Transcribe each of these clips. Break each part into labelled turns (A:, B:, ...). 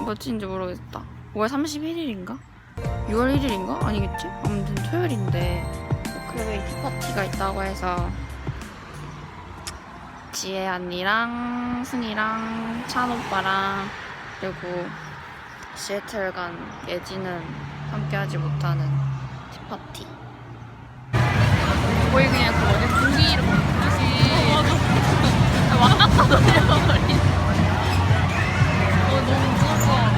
A: 며칠인지 모르겠다. 5월 31일인가? 6월 1일인가? 아니겠지? 아무튼 토요일인데 오크레이 티파티가 있다고 해서 지혜 언니랑 승이랑 찬 오빠랑 그리고 시애틀 간 예지는 함께하지 못하는 티파티. 거의 그냥 그 어디 분기 이렇게 보듯이 왔다 갔다 돌려버린. 너무 무서워.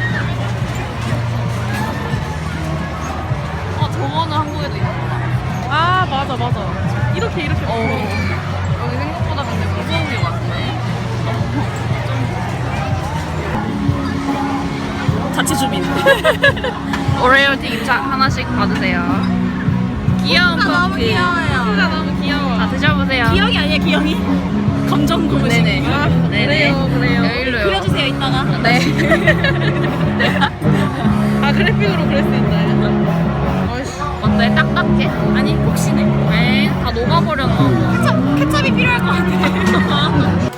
A: 저거는 한국에도 있구나.
B: 아 맞아. 이렇게.
A: 여기 생각보다 근데 무서운 게 많네.
B: 자체 주민.
A: 오레오 튀김 하나씩 받으세요. 귀여운
B: 너무
A: 커피.
B: 귀여워요.
A: 코가 너무 귀여워. 자 드셔보세요.
B: 기영이 아니야 기영이? 검정 고무신.
A: 네네.
B: 아,
A: 네네. 그래요. 일로요.
B: 그려주세요 이따가.
A: 네.
B: 아 그래픽으로 그릴 수 있나요?
A: 어때? 딱딱해?
B: 아니 혹시네.
A: 에이, 다 녹아버렸나 봐.
B: 케첩이 필요할 것 같아.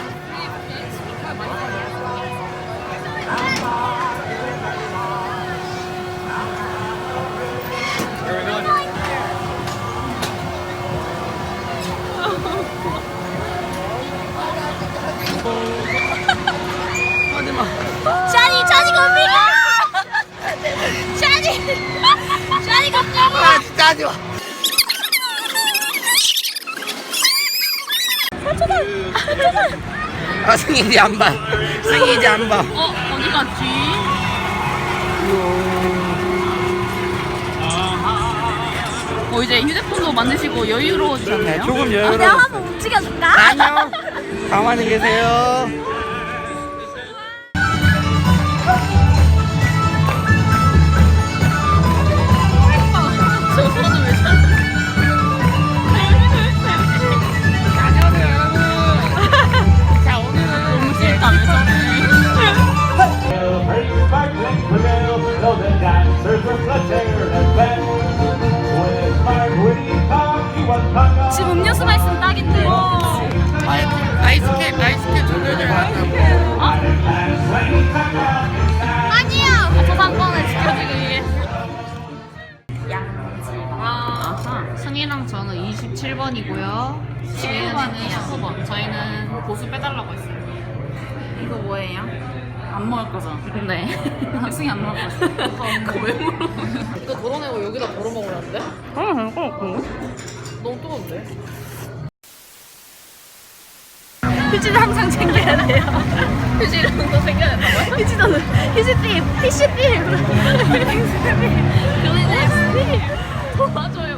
B: 샤니 겁니다. 샤니 겁니다.
C: 아 진짜 하지마. 아 승희 이제 안 봐. 승희 이제 안 봐.
A: 어디 갔지? 이제 휴대폰도 만드시고 여유로워지셨네요.
C: 조금
B: 내가
C: 여유로워.
B: 한번 움직여줄까?
C: 안녕. 가만히 계세요.
A: 저 손은 왜 저래? 안녕하세요 여러분. 자 오늘은 너무 싫다 왜 저래?
B: 지금 음료수만 있으면 딱인데.
C: 아이스캡 조절을 하고.
A: 아니야. 저상권을 지켜주기 위해서. 아하. 승희랑 저는 27번이고요. 지혜는 19번. 저희는 보수 빼달라고 했어요.
B: 이거 뭐예요? 안 먹을 거죠?
A: 네.
B: 학생이 안 먹을 거죠?
A: 그거 왜 물어?
D: 이거 덜어내고 여기다 덜어 먹으라는데? 너무 뜨거운데?
B: 휴지를 항상 챙겨야 돼요.
A: 휴지를 더 생겨야 된다고요?
B: 휴지띠.
A: 도와줘요.